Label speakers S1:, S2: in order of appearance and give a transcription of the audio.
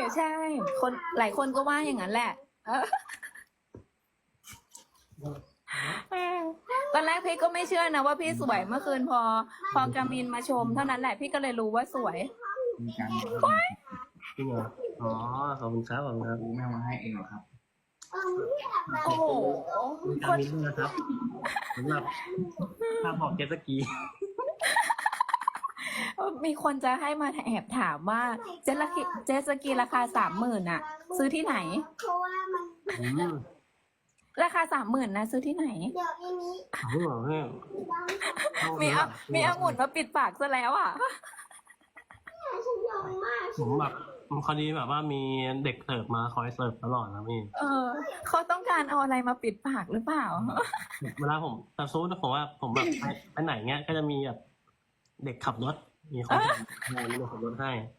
S1: ใช่ คนหลายคนก็ว่าอย่างนั้นแหละตอนแรกพี่ก็ไม่เชื่อนะว่าพี่สวยเมื่อคืนพอกามินมาชมเท่านั้นแหละพี่ก็เลยรู้ว่าสวย
S2: มีการ
S3: จริงเหรออ๋อขอบคุณครับขอบคุณครับ
S2: รู้แม่มาให้เองเหรอครับ
S1: โอ้โห
S3: มีการมินด้วยนะครับสำหรับภาพบอกเจ็ตสกี
S1: มีคนจะให้มาแอบถามว่าเจตสกีราคา30,000อ่ะ ซื้อที่ไหน
S4: เพราะว่ามัน
S3: อืม
S1: ราคา30,000นะซื้อที่ไหน
S4: เดี๋ยวอันนี้
S3: เอาเหรอพี่
S1: มีองุ่นมาปิดปากซะแล้วอ่ะ
S4: ฉันยอมมาก
S3: ผมแบบพอดีแบบว่ามีเด็กเสิร์ฟมาคอยเสิร์ฟตลอดนะพี่
S1: เขาต้องการเอาอะไรมาปิดปากหรือเปล่า
S3: เวลาผมแต่ซูดผมว่าผมแบบไปไหนเงี้ยก็จะมีแบบเด็กขับรถ มีคนให้มีเด็กขับรถให้